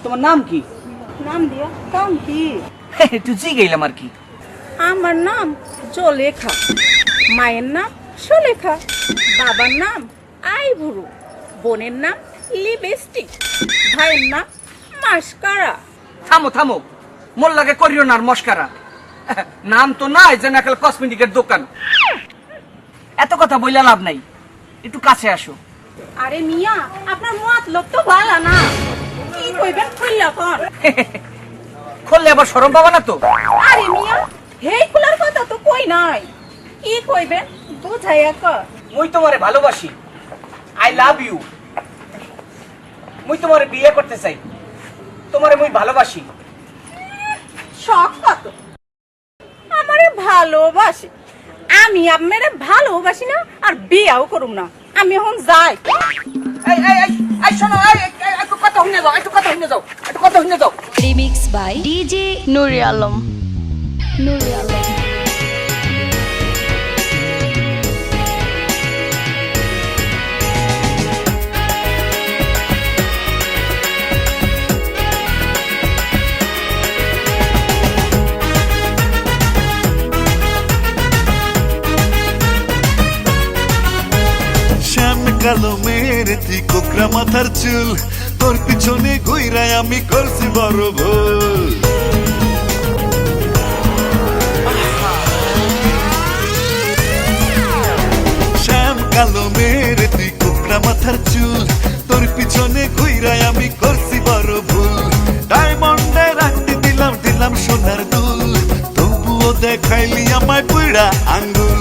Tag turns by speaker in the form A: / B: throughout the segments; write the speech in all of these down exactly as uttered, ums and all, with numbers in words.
A: তোমার নাম কি?
B: নাম দিয়া কাম কি?
A: একটু জিগাইলাম আর কি।
B: আমার নাম জলেখা, মায়ের নাম সুলেখা, বাবার নাম আইভুরু, বোনের নাম লিপস্টিক, ভাইয়ের নাম মাস্কারা।
A: থামো থামো, মোল্লাকে করিও না আর মস্কারা। নাম তো নাই যেন একটা কসমেটিকের দোকান। এত কথা বইলা লাভ নাই, একটু কাছে আসো।
B: আরে মিয়া, আপনার মতলব তো ভালো না, কি কইবেন খুললা কোন?
A: খুললে আবার শরম পাবা না তো?
B: আরে মিয়া, হেই খুলার কথা তো কই নাই, কি কইবেন বুঝাইয়া কর।
A: মুই তোমারে ভালোবাসি, আই লাভ ইউ। মুই তোমারে বিয়ে করতে চাই, তোমারে মুই ভালোবাসি।
B: শখ কত আমারে ভালোবাসি, আমি আপনারে ভালোবাসি না আর বিয়াও করুম না। আমি এখন যাই।
A: এই এই এই এই শোনো, এই এই, একটু কথা শুনে যাও, একটু কথা শুনে যাও, একটু কথা শুনে যাও।
C: Remix by DJ Nuri Alam. Nuri Alam.
D: কালো মেয়ের তুই কোকরা মাথার চুল, তোর পিছনে ঘুইরায় আমি করছি বড় ভুল। শ্যাম কালো মেয়ের তুই কোকরা মাথার চুল, তোর পিছনে ঘুইরায় আমি করছি বড় ভুল। ডায়মন্ডে রাখতে দিলাম দিলাম সোনার দুল, তবুও দেখাইলি আমায় বুড়া আঙ্গুল।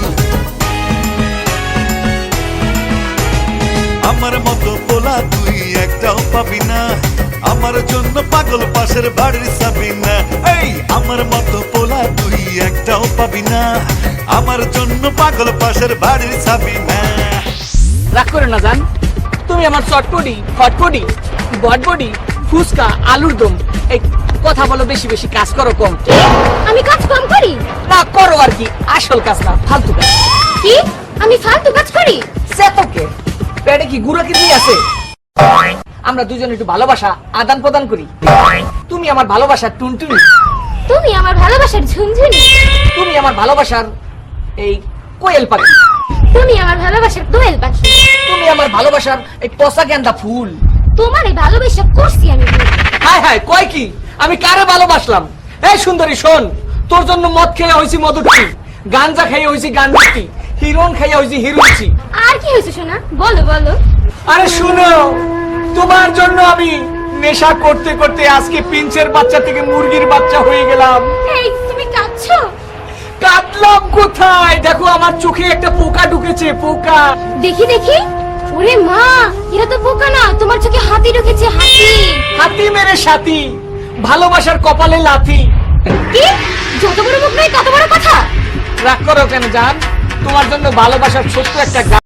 D: আমার মতো পোলা তুই একটাও পাবি না, আমার জন্য পাগল পাশের বাড়ির যাবি না। এই আমার মতো পোলা তুই একটাও পাবি না, আমার জন্য পাগল পাশের বাড়ির যাবি না।
A: রাগ করে না জান, তুমি আমার চটপটি ফটপটি বটবটি ফুচকা আলুর দম। এই কথা বলো বেশি, বেশি কাজ করো কম।
C: আমি কাজ কম করি
A: না, করো আর কি, আসল কাজ না, ফালতু কাজ।
C: কি? আমি ফালতু কাজ করি?
A: সেতকে পেটে কি গুড়া কিডনি আছে? আমরা দুজন একটু ভালোবাসা আদান প্রদান করি। তুমি আমার ভালোবাসার টুনটুনি,
C: তুমি আমার ভালোবাসার ঝুনঝুনি,
A: তুমি আমার ভালোবাসার এই কোয়েল পাখি,
C: তুমি আমার ভালোবাসার দোয়েল পাখি,
A: তুমি আমার ভালোবাসার এই পচা গেন্দা ফুল।
C: তোমার এই ভালোবাসা করছি আমি ভুল।
A: হায় হায়, কয় কি? আমি কারে ভালোবাসলাম? এই সুন্দরী শোন, তোর জন্য মদ খেয়ে হয়েছি মধুটি, গাঞ্জা খেয়ে হয়েছি গাঞ্জাটি, হিরোন খেয়ে হয়েছি হিরোইছি।
C: আর কি হয়েছে শোনা? বলো বলো।
A: আরে শুনো, তোমার জন্য আমি নেশা করতে করতে আজকে পিঞ্চের বাচ্চা থেকে মুরগির বাচ্চা হয়ে গেলাম।
C: এই তুমি কাঁদছো?
A: কাটলাম কোথায়? দেখো আমার চোখে একটা পোকা ঢুকেছে, পোকা।
C: দেখি দেখি। ওরে মা, এরা তো বোকা না, তোমার চোখে হাতি ঢুকেছে, হাতি।
A: হাতি মেরে সাথী, ভালোবাসার কপালে লাথি।
C: কি? যত বড় মুখ নয় তত বড় কথা।
A: রাগ করো কেন জান? তোমার জন্য ভালোবাসার ছোট্ট একটা